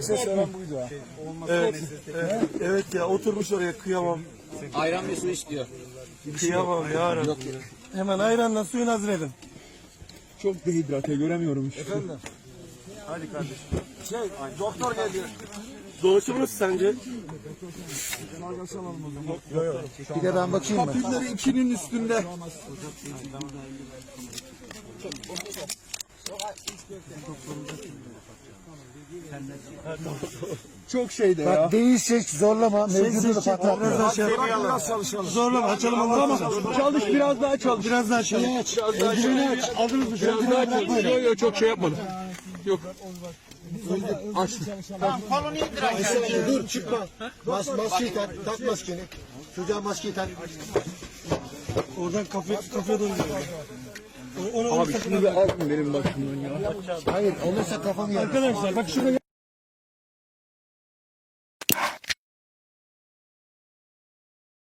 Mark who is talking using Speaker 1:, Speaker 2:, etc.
Speaker 1: ses veren buydu ha.
Speaker 2: Evet, evet ya oturmuş oraya kıyamam.
Speaker 3: Ayran ve su istiyor.
Speaker 2: Kıyamam ya Rabbi. Hemen ayranla suyun hazır edin.
Speaker 1: Çok dehidrate göremiyorum işte.
Speaker 2: Efendim? Hadi kardeşim. Doktor geldi. Dolaşır mısın sence?
Speaker 4: Bir de ben bakayım mı?
Speaker 1: Papilleri 2'nin üstünde. Çok şeyde ya.
Speaker 4: Bak değilse zorlama. Mevcudu da patlatma.
Speaker 2: Biraz çalışalım. Zorlama açalım onları.
Speaker 1: Çalış, biraz daha çalış.
Speaker 2: Biraz daha açalım.
Speaker 4: Eldiveni aç. Aldınız mı?
Speaker 1: Biraz daha çalış. Yok çok şey yapmadım. Yok.
Speaker 4: Dur çıkma. Maskeyi tak. Tak maskeni. Çocuğa maskeyi tak.
Speaker 2: Oradan kafaya doğru gidiyor.
Speaker 1: Abi şunu bir alın benim başımdan ya.
Speaker 4: Hayır olursa kafanı yer.
Speaker 2: Arkadaşlar bak şurada